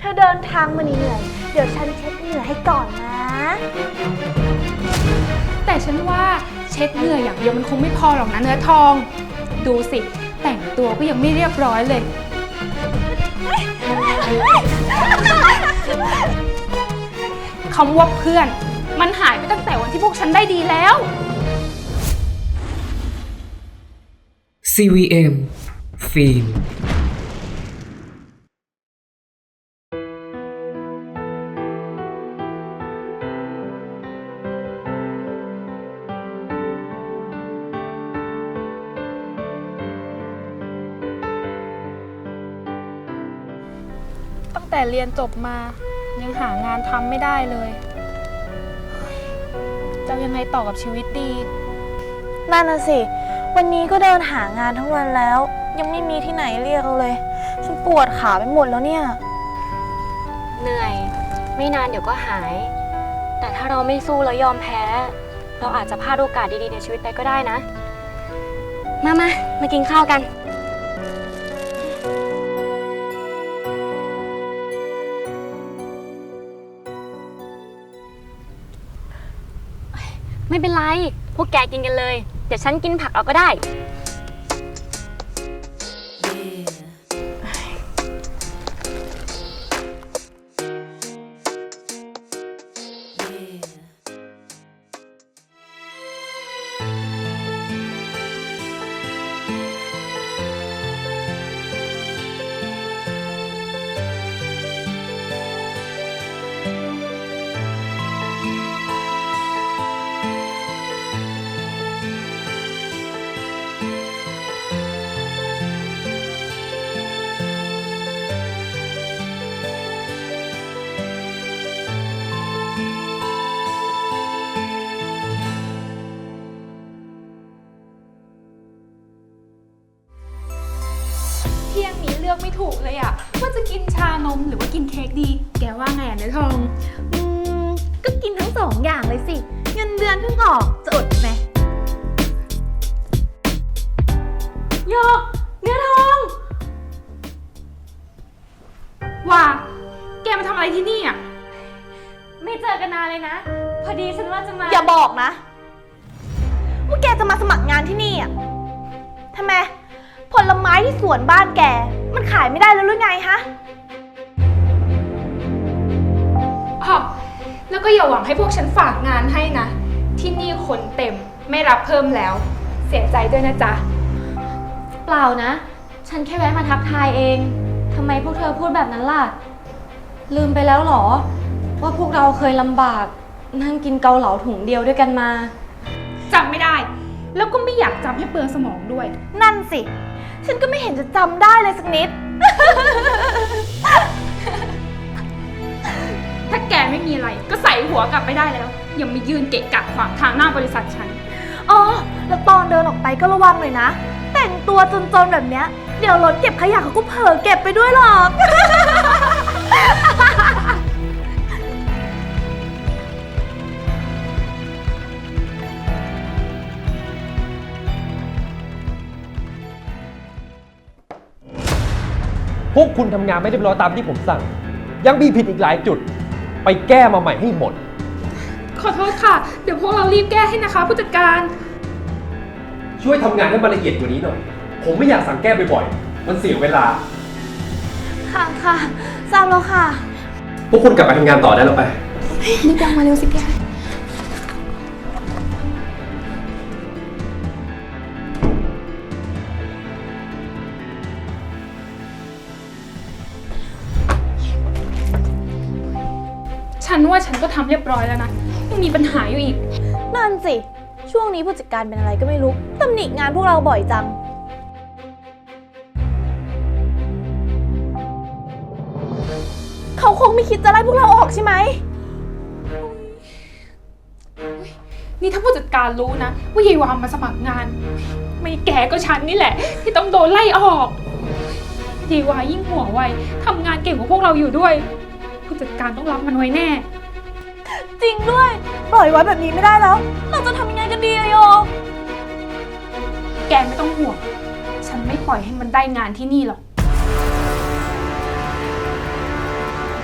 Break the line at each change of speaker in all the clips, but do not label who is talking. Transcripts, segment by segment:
ธอเดินทางมาเหนื่อยเดี๋ยวฉันเช็ดเหงื่อให้ก่อนนะ
แต่ฉันว่าเช็ดเหงื่ออย่างเดียวมันคงไม่พอหรอกนะเนื้อทอง ดูสิแต่งตัวก็ยังไม่เรียบร้อยเลย คำว่าเพื่อนมันหายไปตั้งแต่วันที่พวกฉันได้ดีแล้ว
CVM ฟิล์ม
ตั้งแต่เรียนจบมายังหางานทำไม่ได้เลยจะยังไงต่อกับชีวิตดี
นั่นน่ะสิวันนี้ก็เดินหางานทั้งวันแล้วยังไม่มีที่ไหนเรียกเราเลยฉันปวดขาไปหมดแล้วเนี่ย
เหนื่อยไม่นานเดี๋ยวก็หาย แต่ถ้าเราไม่สู้แล้วยอมแพ้ เราอาจจะพลาดโอกาสดีๆในชีวิตไปก็ได้นะ มากินข้าวกันไม่เป็นไร พวกแกกินกันเลย เดี๋ยวฉันกินผักเอาก็ได้
เที่ยงนี้เลือกไม่ถูกเลยอะว่าจะกินชานมหรือว่ากินเค้กดี แกว่าไงอะเนื้อทอง
ก็กินทั้งสองอย่างเลยสิเงินเดือนเพิ่งออกจะอดไหม
โยกเนื้อทองว่าแกมาทำอะไรที่นี่อ่ะ
ไม่เจอกันนานเลยนะ พอดีฉันว่าจะมา
อย่าบอกนะว่าแกจะมาสมัครงานที่นี่อ่ะทำไมผลไม้ที่สวนบ้านแกมันขายไม่ได้แล้วหรือไงฮะ
อ๋อแล้วก็อย่าหวังให้พวกฉันฝากงานให้นะ ที่นี่คนเต็มไม่รับเพิ่มแล้ว เสียใจด้วยนะจ๊ะ
เปล่านะ ฉันแค่แวะมาทักทายเองทำไมพวกเธอพูดแบบนั้นล่ะ ลืมไปแล้วเหรอ ว่าพวกเราเคยลำบากนั่งกินเกาเหลาถุงเดียวด้วยกันมา
จำไม่ได้ แล้วก็ไม่อยากจำให้เปลืองสมองด้วย
นั่นสิฉันก็ไม่เห็นจะจำได้เลยสักนิด
ถ้าแกไม่มีอะไรก็ใส่หัวกลับไปได้แล้วอย่ามายืนเกะกะขวางทางหน้าบริษัทฉัน
อ๋อแล้วตอนเดินออกไปก็ระวังเลยนะแต่งตัวจนๆแบบเนี้ยเดี๋ยวรถเก็บขยะเขาก็เผลอเก็บไปด้วยหรอก
พวกคุณทำงานไม่เรียบร้อยตามที่ผมสั่ง ยังมีผิดอีกหลายจุด ไปแก้มาใหม่ให้หมด
ขอโทษค่ะ เดี๋ยวพวกเรารีบแก้ให้นะคะผู้จัดการ
ช่วยทำงานให้มันละเอียดกว่านี้หน่อย ผมไม่อยากสั่งแก้บ่อยๆ มันเสียเวลา
ค่ะค่ะทราบแล้วค่ะ
พวกคุณกลับไปทำงานต่อได้แล้วไป
รีบยังมาเร็วสิแก ฉันว่าฉันก็ทำเรียบร้อยแล้วนะ ยังมีปัญหาอยู่อีก
นั่นสิ ช่วงนี้ผู้จัดการเป็นอะไรก็ไม่รู้ตำหนิงานพวกเราบ่อยจัง เขาคงไม่คิดจะไล่พวกเราออกใช่ไหม
นี่ถ้าผู้จัดการรู้นะว่ายายวามมาสมัครงาน ไม่แกก็ฉันนี่แหละ ที่ต้องโดนไล่ออกยายวายิ่งหัวไวทำงานเก่งกว่าพวกเราอยู่ด้วย ผู้จัดการต้องรับมันไว้แน่
จริงด้วย ปล่อยไว้แบบนี้ไม่ได้แล้ว เราจะทำยังไงกันดีอะโย
แกไม่ต้องห่วง ฉันไม่ปล่อยให้มันได้งานที่นี่หรอก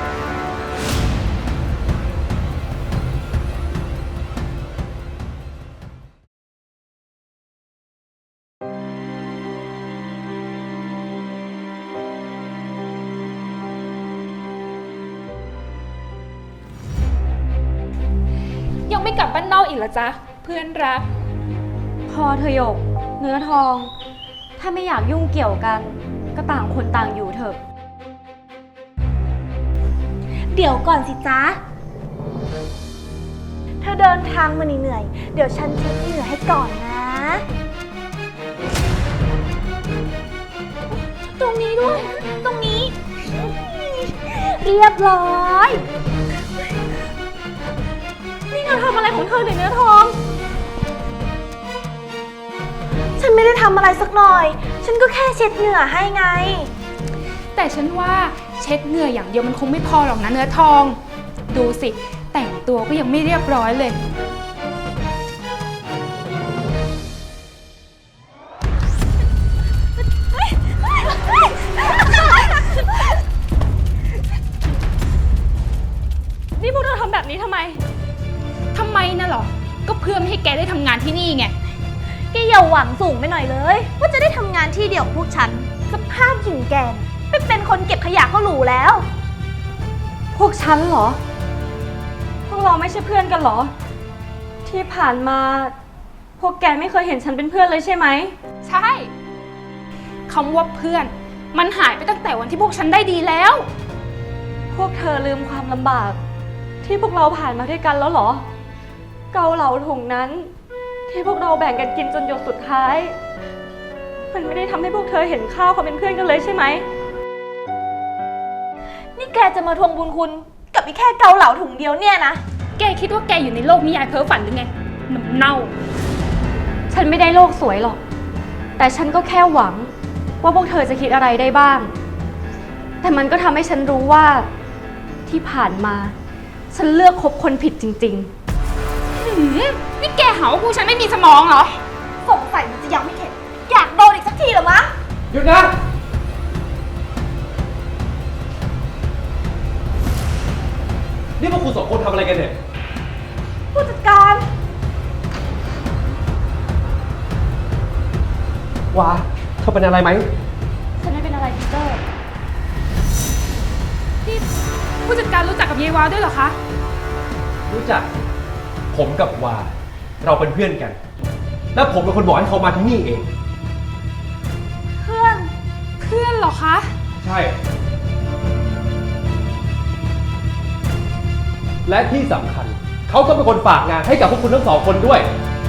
ไม่กลับบ้านนอกอีกเหรอจ๊ะเพื่อนรัก
พอเธอหยก เนื้อทอง ถ้าไม่อยากยุ่งเกี่ยวกัน ก็ต่างคนต่างอยู่เถอะ
เดี๋ยวก่อนสิจ๊ะ เธอเดินทางมาเหนื่อยๆเดี๋ยวฉันเช็ดเหงื่อให้ก่อนนะ ตรงนี้ด้วย ตรงนี้ เรียบร้อย
นี่เธอทำอะไรของเธอเนี่ยเนื้อทอง
ฉันไม่ได้ทำอะไรสักหน่อย ฉันก็แค่เช็ดเหงื่อให้ไง
แต่ฉันว่าเช็ดเหงื่ออย่างเดียวมันคงไม่พอหรอกนะเนื้อทอง ดูสิ แต่งตัวก็ยังไม่เรียบร้อยเลย
นี่พวกเธอทำแบบนี้ทำไม
ทำไมน่ะหรอ ก็เพื่อไม่ให้แกได้ทำงานที่นี่ไง
แกอย่าหวังสูงไปหน่อยเลย ว่าจะได้ทำงานที่เดียวกับพวกฉัน สภาพหญิงแกน่ะไปเป็นคนเก็บขยะก็หรูแล้ว
พวกฉันเหรอ พวกเราไม่ใช่เพื่อนกันเหรอ ที่ผ่านมา พวกแกไม่เคยเห็นฉันเป็นเพื่อนเลยใช่ไหม
ใช่คำว่าเพื่อน มันหายไปตั้งแต่วันที่พวกฉันได้ดีแล้ว
พวกเธอลืมความลำบาก ที่พวกเราผ่านมาด้วยกันแล้วเหรอ เกาเหลาถุงนั้น ที่พวกเราแบ่งกันกินจนหยดสุดท้าย มันไม่ได้ทำให้พวกเธอเห็นค่าความเป็นเพื่อนกันเลยใช่ไหม
นี่แกจะมาทวงบุญคุณกับอีแค่เกาเหลาถุงเดียวเนี่ยนะ
แกคิดว่าแกอยู่ในโลกนิยายเพ้อฝันหรือไงน้ำเน่า
ฉันไม่ได้โลกสวยหรอก แต่ฉันก็แค่หวังว่าพวกเธอจะคิดอะไรได้บ้าง แต่มันก็ทำให้ฉันรู้ว่าที่ผ่านมา ฉันเลือกคบคนผิดจริง
นี่แกหาว่าพวกฉันไม่มีสมองเหรอ
สงสัยมันจะยังไม่เข็ด อยากโดนอีกสักทีเหรอมะ
หยุดนะ นี่พวกคุณสองคนทำอะไรกันเนี่ย
ผู้จัดการ
ว้าเธอเป็นอะไรไหม
ๆ ฉันไม่เป็นอะไรพีเตอร์
ที่ผู้จัดการรู้จักกับเยวาด้วยเหรอคะ
รู้จัก ผมกับวา เราเป็นเพื่อนกัน และผมเป็นคนบอกให้เขามาที่นี่เอง
เพื่อน
เพื่อนเหรอคะ
ใช่ และที่สำคัญ เขาก็เป็นคนฝากงานให้กับพวกคุณทั้งสองคนด้วย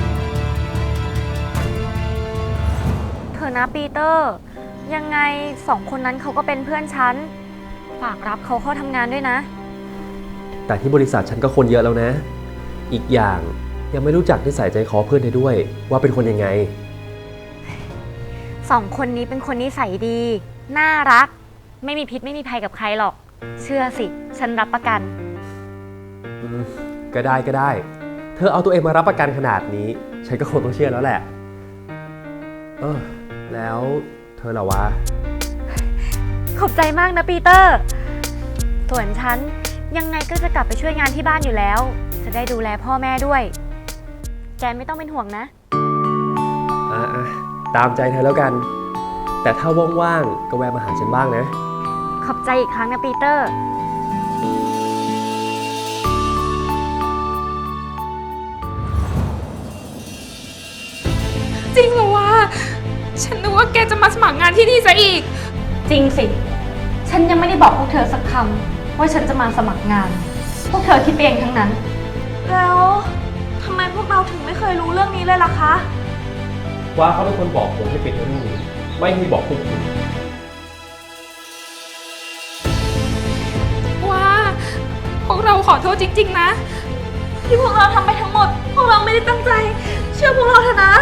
เธอนะปีเตอร์ ยังไงสองคนนั้นเขาก็เป็นเพื่อนฉัน ฝากรับเขาเข้าทำงานด้วยนะ
แต่ที่บริษัทฉันก็คนเยอะแล้วนะ อีกอย่างยังไม่รู้จักนิสัยใจคอเพื่อนเธอด้วย ว่าเป็นคนยังไง
สองคนนี้เป็นคนนิสัยดี น่ารัก ไม่มีพิษไม่มีภัยกับใครหรอก เชื่อสิ ฉันรับประกัน
ก็ได้ก็ได้ เธอเอาตัวเองมารับประกันขนาดนี้ ฉันก็คงต้องเชื่อแล้วแหละ แล้วเธอล่ะวะ
ขอบใจมากนะปีเตอร์ ส่วนฉันยังไงก็จะกลับไปช่วยงานที่บ้านอยู่แล้ว จะได้ดูแลพ่อแม่ด้วย แกไม่ต้องเป็นห่วงนะ
ตามใจเธอแล้วกัน แต่ถ้าว่างๆ ก็แวะมาหาฉันบ้างนะ
ขอบใจอีกครั้งนะปีเตอร์
จริงเหรอวะ ฉันนึกว่าแกจะมาสมัครงานที่นี่ซะอีก
จริงสิ ฉันยังไม่ได้บอกพวกเธอสักคำว่าฉันจะมาสมัครงาน พวกเธอคิดไปเองทั้งนั้น
แล้วทำไมพวกเราถึงไม่เคยรู้เรื่องนี้เลยล่ะคะ
ว่าเขาเป็นคนบอกผมให้ปิดเรื่องนี้ ไม่ให้บอกพวกคุณ
ว่าพวกเราขอโทษจริงๆนะ
ที่พวกเราทำไปทั้งหมด พวกเราไม่ได้ตั้งใจ เชื่อพวกเราเถอะนะ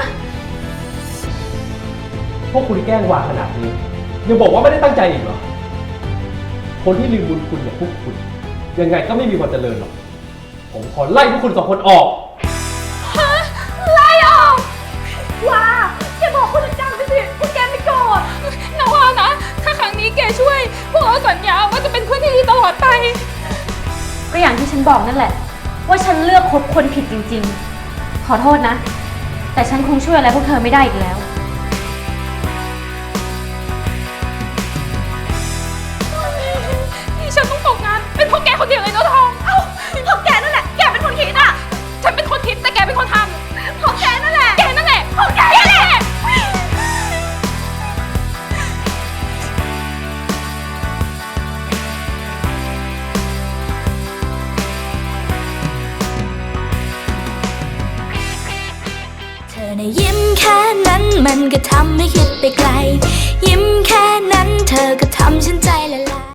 พวกคุณแกล้งวาขนาดนี้ ยังบอกว่าไม่ได้ตั้งใจอีกเหรอ คนที่ลืมบุญคุณอย่างพวกคุณ ยังไงก็ไม่มีวันเจริญหรอก ผมขอไล่พวกคุณสองคนออก
ไล่ออกว้าแกบอกผู้จัดการไปสิว่าแกไม่โกรธ
นะว่านะ ถ้าครั้งนี้แกช่วย พวกเราสัญญาว่าจะเป็นเพื่อนที่ดีตลอดไป
ก็อย่างที่ฉันบอกนั่นแหละ ว่าฉันเลือกคบคนผิดจริงๆ ขอโทษนะ แต่ฉันคงช่วยอะไรพวกเธอไม่ได้อีกแล้ว
นี่ฉันต้องตกงาน เป็นเพราะแกคนเดียวเลยเนาะทอง
เอ้าเพราะแกนั่นแหละ แกเป็นคนคิดอ่ะ
ฉันเป็นคน
นะยิ้มแค่นั้นมันก็ทำให้คิดไปไกล ยิ้มแค่นั้นเธอก็ทำฉันใจละลาย